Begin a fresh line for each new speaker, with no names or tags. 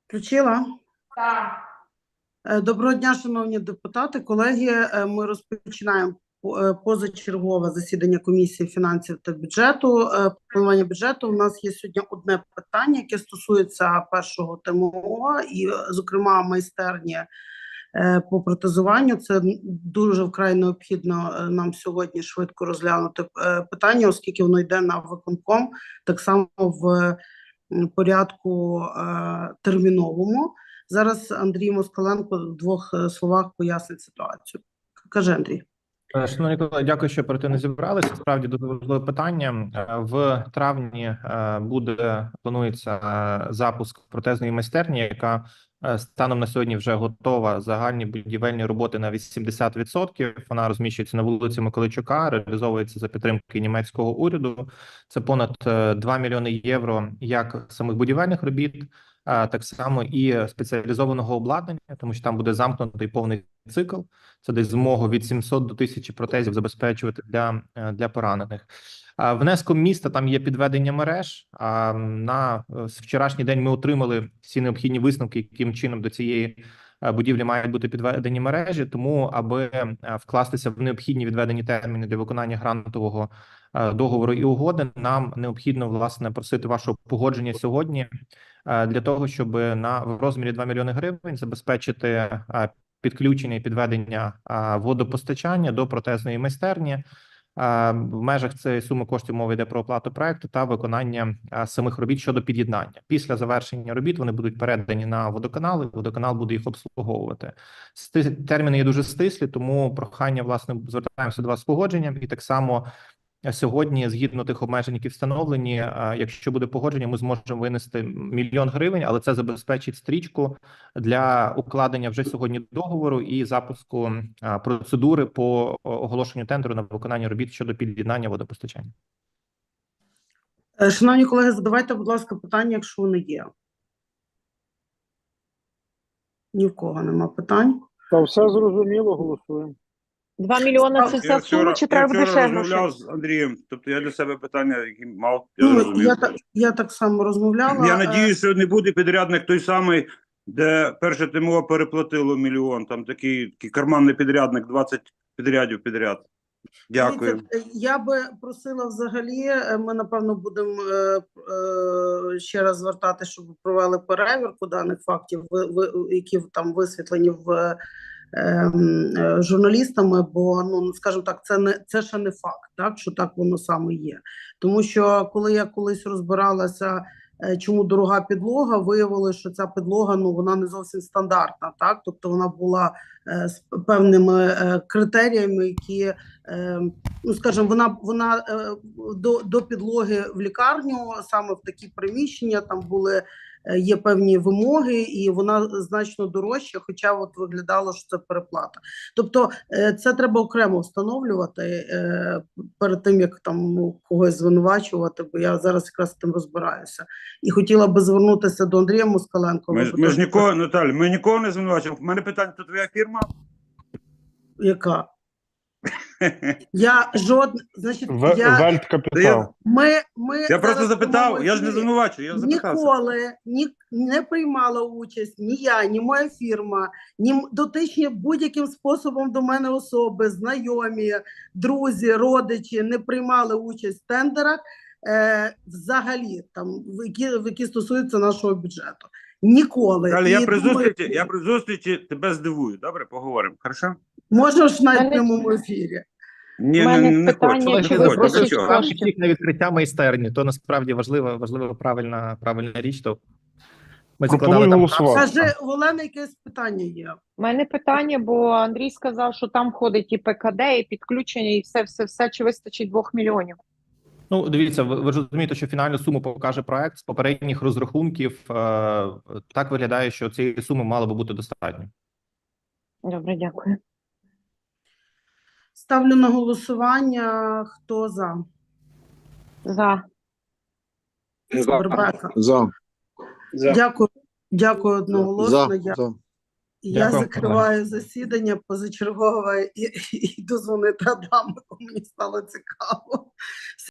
Включила.
Так.
Доброго дня, шановні депутати, колеги. Ми розпочинаємо позачергове засідання комісії фінансів та бюджету. Планування бюджету. У нас є сьогодні одне питання, яке стосується першого ТМО і, зокрема, майстерні по протезуванню. Це дуже вкрай необхідно нам сьогодні швидко розглянути питання, оскільки воно йде на виконком, так само в порядку терміновому. Зараз Андрій Москаленко в двох словах пояснить ситуацію. Каже Андрій.
Шановні колеги, дякую, що оперативно зібралися. Справді дуже важливе питання. В травні планується запуск протезної майстерні, яка станом на сьогодні вже готова. Загальні будівельні роботи на 80%. Вона розміщується на вулиці Миколайчука, реалізовується за підтримки німецького уряду. Це понад 2 мільйони євро як самих будівельних робіт, так само і спеціалізованого обладнання, тому що там буде замкнутий повний цикл. Це десь змогу від 700 до 1000 протезів забезпечувати для поранених. Внеском міста там є підведення мереж. На вчорашній день ми отримали всі необхідні висновки, яким чином до цієї будівлі мають бути підведені мережі. Тому, аби вкластися в необхідні відведені терміни для виконання грантового договору і угоди, нам необхідно, власне, просити вашого погодження сьогодні для того, щоб в розмірі 2 мільйони гривень забезпечити підключення і підведення водопостачання до протезної майстерні. В межах цієї суми коштів мова йде про оплату проекту та виконання самих робіт щодо під'єднання. Після завершення робіт вони будуть передані на водоканал, і водоканал буде їх обслуговувати. Терміни є дуже стислі, тому прохання, власне, звертаємося до вас з погодженням. І так само сьогодні, згідно тих обмежень, які встановлені, якщо буде погодження, ми зможемо винести 1 мільйон гривень, але це забезпечить стрічку для укладення вже сьогодні договору і запуску процедури по оголошенню тендеру на виконання робіт щодо під'єднання водопостачання.
Шановні колеги, задавайте, будь ласка, питання, якщо вони є. Ні в кого нема питань.
Та все зрозуміло, голосуємо.
2 мільйони – це вся сума, чи треба буде ще грошей?
розмовляв з Андрієм, тобто я для себе питання, які мав,
Я так само розмовляла.
Я надіюсь, що не буде підрядник той самий, де перше ТМО переплатило 1 мільйон, там такий карманний підрядник, 20 підрядів підряд. Дякую.
Я би просила взагалі, ми напевно будемо ще раз звертати, щоб провели перевірку даних фактів, які там висвітлені в журналістами, бо, ну, скажімо так, це ще не факт, так, що так воно саме є. Тому що, коли я колись розбиралася, чому дорога підлога, виявилося, що ця підлога, ну, вона не зовсім стандартна, так, тобто вона була з певними критеріями, які, ну, скажімо, вона до підлоги в лікарню, саме в такі приміщення, там є певні вимоги, і вона значно дорожча, хоча от виглядало, що це переплата. Тобто це треба окремо встановлювати перед тим, як там когось звинувачувати, бо я зараз якраз з тим розбираюся. І хотіла би звернутися до Андрія Москаленко.
Ми ж нікого, Наталі, ми нікого не звинувачуємо. У мене питання, то твоя фірма?
Яка? Значить,
Вельткапітал.
Я просто запитав, я ж не звинувачую, я запитався.
Ніколи не приймала участь ні я, ні моя фірма, ні дотичні будь-яким способом до мене особи, знайомі, друзі, родичі не приймали участь в тендерах взагалі, там, які стосуються нашого бюджету. Ніколи.
Далі, я при зустрічі тебе здивую. Добре, поговоримо. Хорошо?
Можна ж навіть в прямому ефірі.
Ні, не хочу.
Чи вистачить коштів?
На відкриття майстерні, то насправді важлива правильна річ. То ми
Пропоную голосувати.
Каже, у Олени якесь питання є.
У мене питання, бо Андрій сказав, що там входить і ПКД, і підключення, і все, чи вистачить 2 мільйонів?
Ну, дивіться, ви ж розумієте, що фінальну суму покаже проект. З попередніх розрахунків так виглядає, що цієї суми мало би бути достатньо.
Добре, дякую.
Ставлю на голосування. Хто за?
За.
Бербека.
За.
Дякую одноголосно. Я
Дякую.
закриваю засідання позачергове і дозвонити Адамику. Мені стало цікаво.